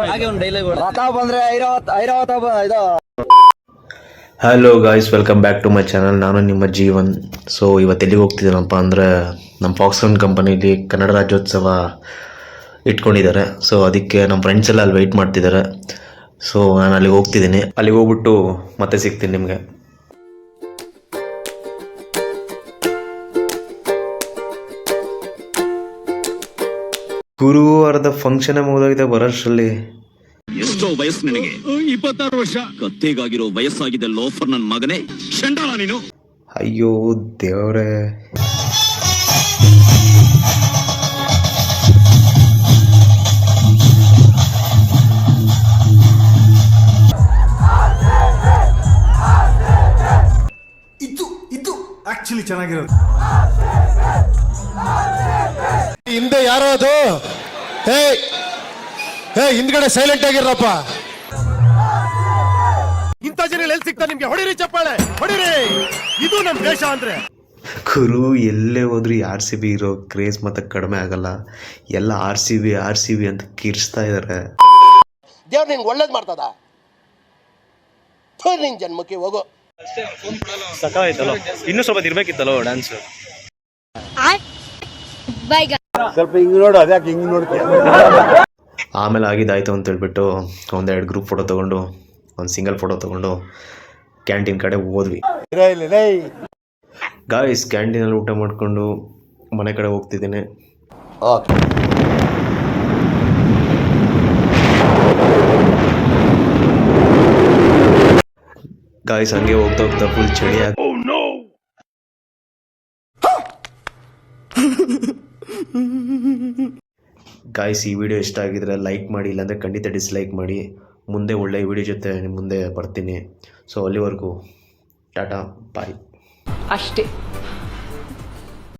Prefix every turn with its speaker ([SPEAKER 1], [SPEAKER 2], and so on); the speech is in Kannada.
[SPEAKER 1] ಹಾಗೆ ಒಂದು ಡೈಲಾಗ್
[SPEAKER 2] ರಥ ಬಂದ್ರೆ ಐರಾವತ ಇದು.
[SPEAKER 3] Hello guys, welcome back to my channel. ನಾನು ನಿಮ್ಮ ಜೀವನ್. ಸೊ ಇವತ್ತು ಎಲ್ಲಿಗೆ ಹೋಗ್ತಿದ್ದೀನಪ್ಪ ಅಂದರೆ ನಮ್ಮ ಫಾಕ್ಸ್ಕಾನ್ ಕಂಪನಿಲಿ ಕನ್ನಡ ರಾಜ್ಯೋತ್ಸವ ಇಟ್ಕೊಂಡಿದ್ದಾರೆ. ಸೊ ಅದಕ್ಕೆ ನಮ್ಮ ಫ್ರೆಂಡ್ಸ್ ಎಲ್ಲ ಅಲ್ಲಿ ವೆಯ್ಟ್ ಮಾಡ್ತಿದ್ದಾರೆ. ಸೊ ನಾನು ಅಲ್ಲಿಗೆ ಹೋಗ್ತಿದ್ದೀನಿ. ಅಲ್ಲಿಗೆ ಹೋಗ್ಬಿಟ್ಟು ಮತ್ತೆ ಸಿಗ್ತೀನಿ ನಿಮಗೆ. ಗುರುವಾರದ ಫಂಕ್ಷನ್ ಮುಗಿದೋಗಿದೆ ಬರೋಷ್ಟರಲ್ಲಿ.
[SPEAKER 4] ಎಷ್ಟೋ ವಯಸ್ಸು ನಿನಗೆ? 26 ವರ್ಷ. ಕತ್ತೆಗಾಗಿರೋ ವಯಸ್ಸಾಗಿದೆ ಲೋಫರ್ ನನ್ನ ಮಗನೇ. ಚಂಡಾಳ ನೀನು.
[SPEAKER 3] ಅಯ್ಯೋ ದೇವ್ರೇ.
[SPEAKER 5] ಇದು ಆಕ್ಚುಲಿ ಚೆನ್ನಾಗಿರೋದು.
[SPEAKER 6] ಹಿಂದೆ ಯಾರೋ ಅದು? ಹೇ ಹಿಂದ್ಗಡೆ ಸೈಲೆಂಟ್ ಆಗಿರಪ್ಪ. ಇಂಥ ಜನ ಎಲ್ಲಿ ಸಿಗ್ತಾ ನಿಮ್ಗೆ? ಹೊಡಿರಿ ಚಪ್ಪಾಳೆ, ಹೊಡಿರಿ. ಇದು ನಮ್ ದೇಶ ಅಂದ್ರೆ.
[SPEAKER 3] ಗುರು ಎಲ್ಲೇ ಹೋದ್ರು RCB ಇರೋ ಕ್ರೇಜ್ ಮತ್ತೆ ಕಡಿಮೆ ಆಗಲ್ಲ. ಎಲ್ಲ RCB ಅಂತ ಕಿರ್ಸ್ತಾ ಇದಾರೆ.
[SPEAKER 7] ದೇವ್ರು ನಿನ್ಗೆ ಒಳ್ಳೇದು ಮಾಡ್ತದ. ನಿನ್ ಜನ್ಮಕ್ಕೆ ಹೋಗೋ.
[SPEAKER 1] ಸಕಾಯ್ತಲ್ಲ, ಇನ್ನೂ ಸ್ವಲ್ಪ ಇರ್ಬೇಕಿತ್ತಲ್ಲ ಡ್ಯಾನ್ಸ್.
[SPEAKER 6] ಸ್ವಲ್ಪ ಹಿಂಗ್ ನೋಡು, ಅದ್ಯಾಕೆ ಹಿಂಗ್ ನೋಡ್ತೀಯ?
[SPEAKER 3] ಆಮೇಲೆ ಆಗಿದ್ದಾಯ್ತು ಅಂತ ಹೇಳ್ಬಿಟ್ಟು ಒಂದೆರಡು ಗ್ರೂಪ್ ಫೋಟೋ ತೊಗೊಂಡು ಒಂದು ಸಿಂಗಲ್ ಫೋಟೋ ತೊಗೊಂಡು ಕ್ಯಾಂಟೀನ್ ಕಡೆ ಹೋದ್ವಿ. ಗಾಯ್ಸ್, ಕ್ಯಾಂಟೀನಲ್ಲಿ ಊಟ ಮಾಡಿಕೊಂಡು ಮನೆ ಕಡೆ ಹೋಗ್ತಿದ್ದೀನಿ. ಗಾಯ್ಸ್, ಹಂಗೆ ಹೋಗ್ತಾ ಹೋಗ್ತಾ ಫುಲ್ ಚಳಿ ಆಗ. ಗಾಯ್ಸ್, ಈ ವಿಡಿಯೋ ಇಷ್ಟ ಆಗಿದ್ರೆ ಲೈಕ್ ಮಾಡಿ, ಇಲ್ಲಾಂದರೆ ಖಂಡಿತ ಡಿಸ್ಲೈಕ್ ಮಾಡಿ. ಮುಂದೆ ಒಳ್ಳೆಯ ವಿಡಿಯೋ ಜೊತೆ ನಿಮ್ಮ ಮುಂದೆ ಬರ್ತೀನಿ. ಸೊ ಅಲ್ಲಿವರೆಗೂ ಟಾಟಾ ಬಾಯ್
[SPEAKER 8] ಅಷ್ಟೇ.